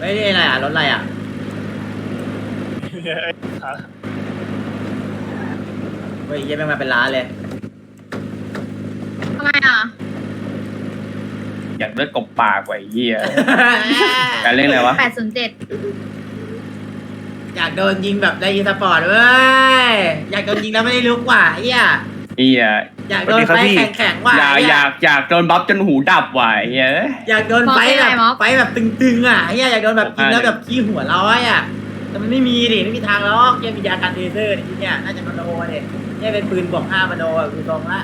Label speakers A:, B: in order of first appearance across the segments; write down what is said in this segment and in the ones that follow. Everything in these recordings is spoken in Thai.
A: ไม่ได้อะไรอ่ะรถอะไรอ่ะเฮ้ยยังไม่มาเป็นร้านเลย
B: ทำไมอ่ะ
C: อยากเลือดกบปากไว้เหี้ยการเล่นอะไรวะ
B: 807
A: อยากโดนยิงแบบได้ยิงสปอร์ตเว้ยอยากโดนยิงแล้วไม่ได้ลุกว่ะเฮีย
C: เหี้ย
A: อยากโดนไฟแข็งๆว่ะ
C: อยากโดนบัฟจนหูดับว่ะเหี้ย
A: อยากโดนไฟแบบตึงๆอ่ะเฮียอยากโดนแบบยิงแล้วแบบขี้หัวร้อยอ่ะแต่มันไม่มีดิไม่มีทางหรอกเฮียมียากันเทเซอร์นี่เนี่ยน่าจะมโนเนี่ยเฮียเป็นปืนบวก5มโนอ่ะคือตรงละ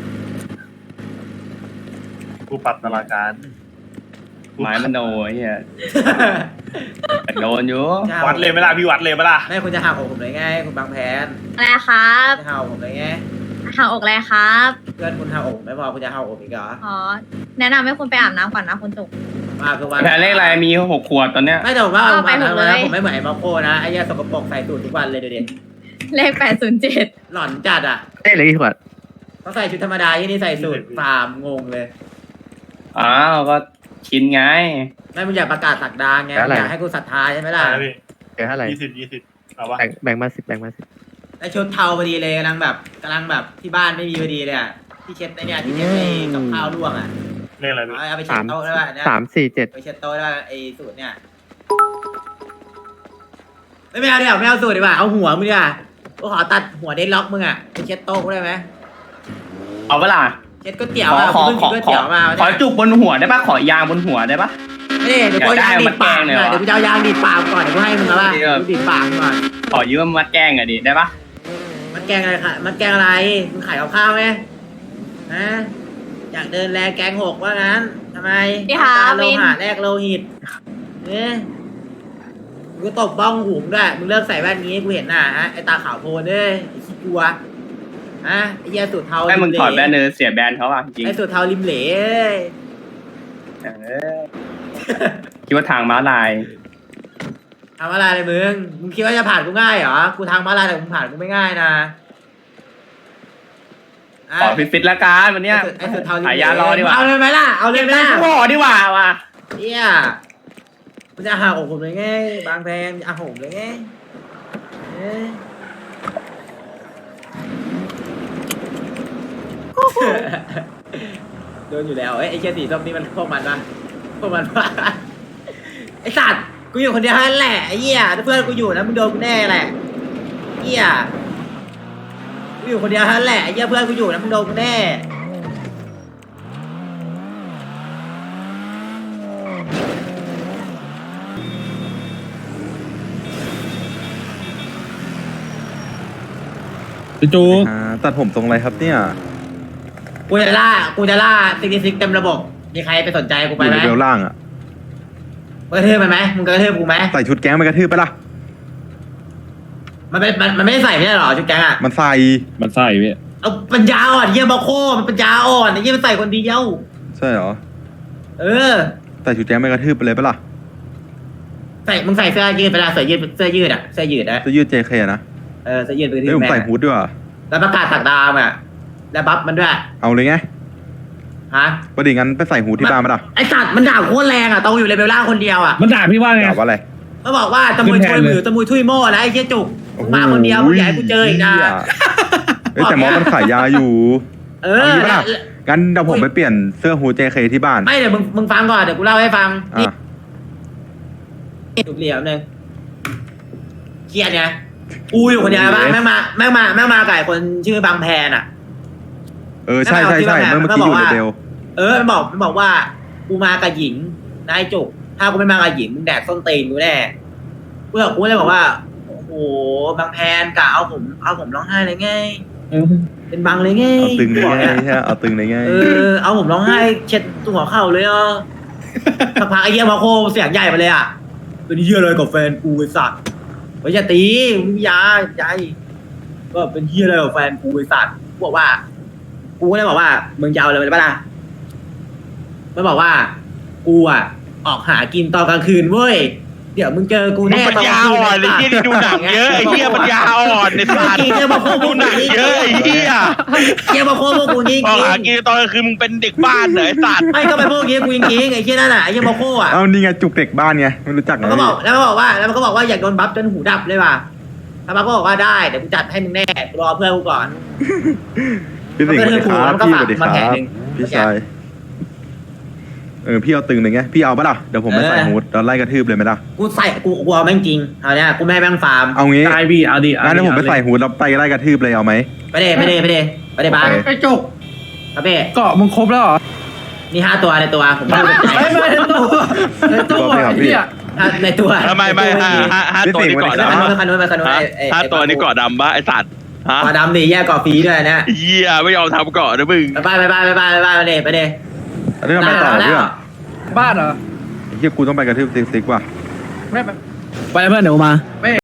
D: กูปรับตารางการ
C: ไม้มโนเหี้ยแต่โดนอยู่
D: วัดเลยไหมล่ะพี่วัดเลยไหมล่ะ
A: ไม่คุณจะหักอกผมเลยไงคุณบางแผน
B: อะไรครับ
A: จะหักอกผมเลยไง
B: หาอกอะไรครับ
A: เพื่อนคุณหักอกไม่พอคุณจะหักอกอีกเหรอ
B: อ๋อ แนะนำให้คุณไปอาบน้ำก่อนนะคุณจุก
A: มาคือวัน
C: แพ้เลขอะไรมี6 ขวดตอนเนี้ย
A: ไม่แต่ผมว่า
B: เอาไปหมดเลย
A: ผมไม่เหมือนไอ้มาโคนะไอ้เหี้ยสกปรกใส่สูตรทุกวันเลยเดี๋ยวนี้
B: เลข 807
A: หล่อนจัดอ่ะ
E: ได้เลยกี่ขวด
A: เขาใส่ชุดธรรมดาที่นี่ใส่สูตรฟาร์มงงเลย
C: อ้าวก็ชินไง
A: ไม่มึงอยากประกาศสักดาไงมึงอยากให้กูศรัทธาใช่ไหมล่ะ
D: อะไรพี่
E: เดี๋ยวเท่าไหร่
D: 20เอาวะ
E: แบ่งมา10แบ่งมา10
A: ไอ้ชุดเทาพอดีเลยกำลังแบบที่บ้านไม่มีพอดีเลยอ่ะที่เช็ดไอ้เนี่ยที่เช็ดไอ้กับข้าวร่วงอ่ะ
D: เรื่องอะไรพี่
A: เอาไปเช็ดโต๊ะได้ป่ะเนี่ย
E: 3 4 7
A: ไปเช็ดโต๊ะได้ป่ะไอ้สูตรเนี่ยไม่เอาเดี๋ยวไม่เอาสูตรดีกว่าเอาหัวมึงดีกว่ากูขอตัดหัวเดนล็อกมึงอ่ะไปเช็ดโต๊ะกูได้ไหม
C: เอาเวลา
A: เช็ดก๋วยเตี๋ยวอ่ะกูเพิ่งกินก๋วยเตี๋ยวมา
C: ขอจุกบนหัวได้ปะขอยางบนหัวได้ปะ
A: นี่เดี๋ยวกูเอายางดีดปาก
C: อยากได้
A: เดี๋ยวกูจะเอายางดีดปากก่อนเดี๋ยวกูให้มึงแล้วป่ะกูดีดปากก่อน
C: ขอยืมมัดแกล้งอะดิได้ปะ
A: มันแกงอะไรค่ะมันแกงอะไรมึงขายกับข้าวไหมฮะอยากเดินแลแกงหกว่างั้นทำไม
B: พี่คะ
A: ตาโล
B: วิน
A: หะแรกโลหิตเนี่ยกูตบบ้องหูมึงด้วยมึงเลิกใส่แว่นนี้กูเห็นหน้าฮะไอตาขาวโพลนเอ้ยไอขี้กลัวฮะไอเหี้ยสูตรเทา
C: ให้มึงถอดแบนเน
A: ริ
C: อร์เสียแบนเขาอ่ะจริง
A: ไอสูตรเทาริมเหลเอ้ย
C: เออคิดว่าทางม้าลาย
A: ทำอะไรเลยมึงคิดว่าจะผ่านกูง่ายเหรอกูทางมาลายแต่มึงผ่านกูไม่ง่ายนะะ
C: ขอฟิตๆละกันวันเนี้ย
A: ไอสูตรเทาริม
C: หา
A: เหล
C: ยารอดีกว่า
A: เอาเลยไหมล่ะเอาเลยไหมล่ะ
C: ขอดีกว่าว่ะ
A: เฮียมันจะหาอกผมเลยไงบางแพงจะหาผมเลยไงเอ้ยโดนอยู่แล้วไอ้เชียสีส้มนี่มันพวกมันปะพวกมันปะไอ้สัตว์กูอยู่คนเดียวนั่นแหละไอ้เหี้ยถ้าเพื่อนกูอยู่นะมึงโดนกูแน่แหละเหี้ยกูอยู่คนเดียวนั่นแหละไอ้เหี้ยเพื่อนกูอยู่นะมึงโดนกูแน่
F: พี่จู
G: ตัดผมทรงอะไรครับเนี่ย
A: กูจะล่าซิกเต็มระบบมีใครไปสนใจกู
G: อ
A: ไป
G: ยู่
A: ไหม
G: ในเบลล่างอ่ะ
A: กระทืบมันไหมมึงกระทืบกูไหม
G: ใส่ชุดแก๊งไปกระทืบไปละ
A: มันไม่ได้ใส่ไม่ใช่หรอชุดแก๊งอ่ะ
G: มันใส่
F: มันใส่พี่
A: เอาปัญญาอ่อนเยี่ยบาโคมันปัญญาอ่อนไอ้เยี่ยมันใส่คนเดียว
G: ใช่เหรอ
A: เออ
G: ใส่ชุดแก๊งไปกระทืบไปเลยปะล่ะ
A: มึงใส่เสื้อยืดไปละเสื้อยืดอ่ะเสื้อยืดนะ
G: จะยืด JK นะ
A: เออเสื้อยืดไปกระทื
G: เฮ้ย
A: บ
G: ผม
A: แม่
G: ใส่
A: ง
G: ฮูดด้วยว่ะ
A: แล้วประกาศสักดามอ่ะแล้วบัฟมันด้วย
G: เอาเลยไง
A: ฮะ
G: ประเดี๋ยวงั้นไปใส่ฮูดที่บ้านมาล่ะ
A: ไอสัตว์มันด่าโคตรแรงอ่ะตองอยู่เลเวลล่างคนเดียวอ่ะ
F: มันด่าพี่ว่าไง
G: ด่าว่าอะไร
A: มันบอกว่าตะมุยช่วยมือตะมุยทุยโม่นะไอ้เชี่ยจุกมึงมาคนเดียวมึงอยากให้กูเจออีกนะ
G: เฮ้ยแต่มอสมันขายยาอยู่
A: เอ
G: เอา
A: อ
G: งี้ปะล่ะ งั้นเดี๋ยวผมไปเปลี่ยนเสื้อฮูด JK ที่บ้าน
A: ไม่เดี๋ยวมึงฟังก่อนเดี๋ยวกูเล่าให้ฟังนี่
G: อ่ะ
A: ถูกเหลี่ยมหนึ่งเครียดไงกูอยู่คนเดียวบ้างแม่งมาไก่คนชื่อบางแพนอ่ะ
G: เออใช่เมื่อกี้อยู่ในเบล
A: เออมันบอกว่ากูมากับหญิงนายจุกถ้ากูไม่มากับหญิงมึงแดกส้นตีนกูแน่กูเลยบอกว่าโอ้โหบางแพนกะเอาผมร้องไห้เลยไงเป็นบังเลยไง
G: เอาตึงเลย
A: บอก
G: ไง
A: นี่
G: ใช่เอาตึงเลยไง
A: เออเอาผมร้องไห้เช็ดตัวหัวเข่าเลยอ่ะสักพักไอ้เหี้ยมาโคเสียงใหญ่ไปเลยอ่ะเป็นเหี้ยเลยกับแฟนกูไอ้สัตว์เฮ้ยอย่าตีมึงอยาใจก็เป็นเหี้ยเลยกับแฟนกูไอ้สัตว์กูบอกว่ากูก็เลยบอกว่ามึงจะเอาเลยปะล่ะมันบอกว่ากูอ่ะออกหากินตอนกลางคืนเว้ยเดี๋ยวมึงเจอกู
F: มึง
A: แน่
F: ปัญญาอ่อนไอ้เหี้ยที่ดูหนังเยอะไอ้เหี้ยปัญญาอ่อนในสัตว์
A: จริงเจอมาโคพ
F: ดู
A: วก
F: หนังเยอะไอ้เหี้ย
A: เจอมาโคพวกกูจริง
F: พอหากินตอนกลางคืนมึงเป็นเด็กบ้านเหรอไอ้สัตว์
A: ไม่ก็ไปพวกนี้กูจริงไอ้เชี่ยนั่นน่ะไอ้เชี่ยมาโคอ่ะ
G: เอานี่ไงจุกเด็กบ้านไงไม่รู้จักไง
A: มันก็บอกแล้วมันก็บอกว่าอยากโดนบัฟจนหูดับเลยว่ะถ้าบัฟก็บอกว่าได้เดี๋ยวกูจัดให้มึงแน่รอเพื่อนกูก่อน
G: พี่สิงห์สวัสดีครับ
A: มันก็
G: พี่
A: ฝาก
G: สวัสดีค
A: มา
G: รั
A: แผล
G: บ
A: หนึ่ง
G: พี่ชายพี่เอาตึงหนึ่งไงพี่เอาปะล่ะเดี๋ยวผมไปใส่ฮูดแล้วไล่กระทืบเลยไหมล่ะ
A: กูใส่กูเอาแม่งจริงเอาเนี่ยกูไม่ให้แม่งฟาร์ม
G: เอางี้
H: ได้พี่เอาดิ
G: งั้นเดี๋ยวผมไปใส่ฮูดแล้วไปไล่กระทืบเลยเอาไหม
A: ไปเด้บ้าน
H: ไอ้จุก
A: ครับเป้
H: เกาะมึงครบแล้วเหรอ
A: นี่5 ตัวในตัวผมไม่รู้
H: ไม่ในตัวในตัวไอ้เหี้ย
A: ในตัว
F: ไม่ห้าตัวนี้เกาะ
A: ไป
F: ดำ
A: คันนู้น
F: ห้าตัวนี้เกาะดำปะไอ้สัตว์ฮะ
A: กอดำดิแยกกอฟรีด้วยนะ
F: เหี้ยไม่ยอมทำเกาะนะมึง
A: ไปเด้
G: เรื่องไปต่อเรื่อง
H: บ้านเหรอ
G: ไอ้เฮียกูต้องไปกระทืบติ๊กว่ะ
H: ไม่ไป
I: ไปเพื่อนเดี๋ยวมา